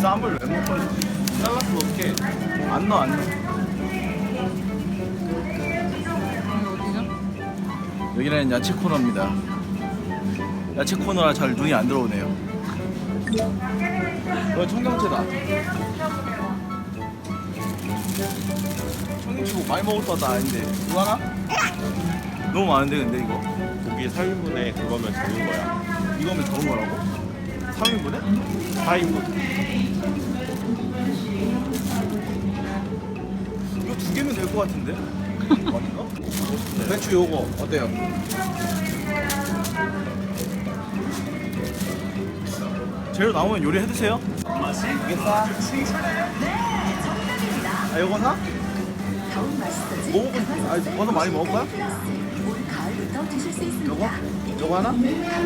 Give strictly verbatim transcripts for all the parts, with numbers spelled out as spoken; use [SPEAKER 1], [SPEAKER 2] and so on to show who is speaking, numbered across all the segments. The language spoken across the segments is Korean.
[SPEAKER 1] 쌈을 왜 먹어? 잘라서 어떡해. 안 넣어 안 넣어. 여기는 야채 코너입니다. 야채 코너라 잘 눈이 안 들어오네요. 어, 청경채다. 청경채 뭐 많이 먹을 것 같다 아닌데 이거 하나? 너무 많은데 근데 이거?
[SPEAKER 2] 고기 삼 인분에 그거면 적은 거야.
[SPEAKER 1] 이거면 적은 거라고? 삼 인분에?
[SPEAKER 2] 사 인분.
[SPEAKER 1] 이거 두 개면 될 것 같은데? 아닌가? 배추 요거 어때요? 재료 나오면 요리 해드세요. 이게 싸? 아 요거 사? 먹어본 아 버섯 많이 먹을 거야? 요거? 요거 하나?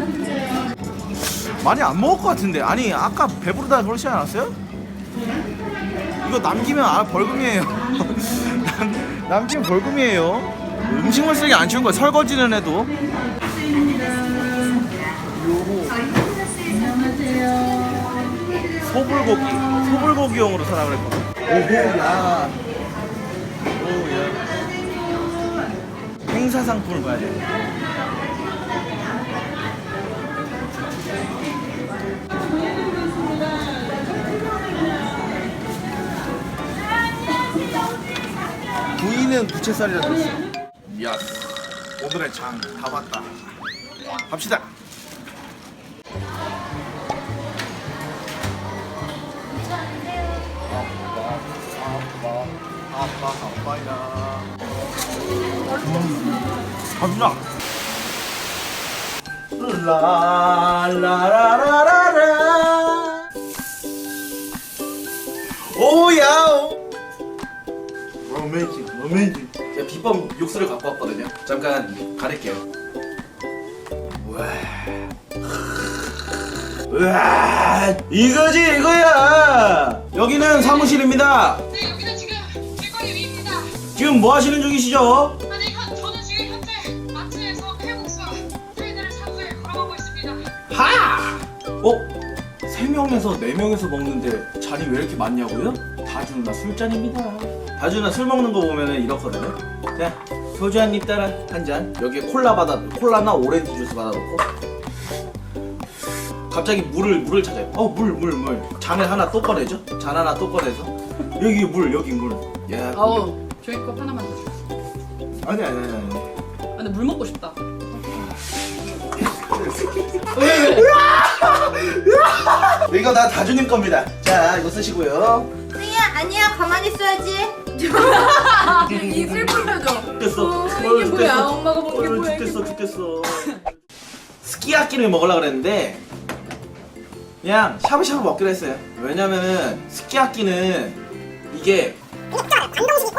[SPEAKER 1] 많이 안 먹을 것 같은데. 아니 아까 배부르다 그러지 않았어요? 이거 남기면 아 벌금이에요. 남, 남기면 벌금이에요. 음식물 쓰레기 안 치운 거야. 설거지는 해도. 소불고기, 소불고기용으로 사라 그랬거든. 오호야, 오야. 행사 상품을 봐야 돼. 부위는 부채살이라 줬어. 야, 오늘의 장 다 봤다. 갑시다. 아빠 아빠야. 갑시다. 라라라라라라. 오야. 어메이징, 어메이징. 제가 비법 육수를 갖고 왔거든요. 잠깐 가릴게요. 우와, 우와, 이거지 이거야. 여기는 사무실입니다.
[SPEAKER 3] 네, 여기는 지금 길거리 위입니다.
[SPEAKER 1] 지금 뭐 하시는 중이시죠?
[SPEAKER 3] 아니, 현, 저는 지금 현재 마트에서 칼국수 트레이드를 사고에 걸어가고 있습니다.
[SPEAKER 1] 하! 어? 세 명에서 네 명에서 먹는데 잔이 왜 이렇게 많냐고요? 다준아 술잔입니다. 다준아 술 먹는 거 보면은 이렇거든요. 자, 소주 한 입 따라 한 잔. 여기에 콜라 받아, 콜라나 오렌지 주스 받아놓고. 갑자기 물을 물을 찾아요. 어, 물, 물, 물. 잔을 하나 또 꺼내죠? 잔 하나 또 꺼내서 여기 물, 여기 물. 야,
[SPEAKER 4] 아우 종이컵 하나만 더 줘.
[SPEAKER 1] 아니 아니 아니 아니.
[SPEAKER 4] 아, 근데 물 먹고 싶다.
[SPEAKER 1] 이거 다 다주님 겁니다. 자, 이거 쓰시고요.
[SPEAKER 5] 승희야 아니야 가만히 있어야지.
[SPEAKER 4] 이 슬픈 표정.
[SPEAKER 1] 죽겠어.
[SPEAKER 4] 어, 이게 뭐야? 엄마가 먹은 게 뭐야?
[SPEAKER 1] 죽겠어, 죽겠어. 스키야끼를 먹으려 그랬는데 그냥 샤브샤브 먹기로 했어요. 왜냐면은 스키야끼는 이게
[SPEAKER 6] 이게 진짜 반동식이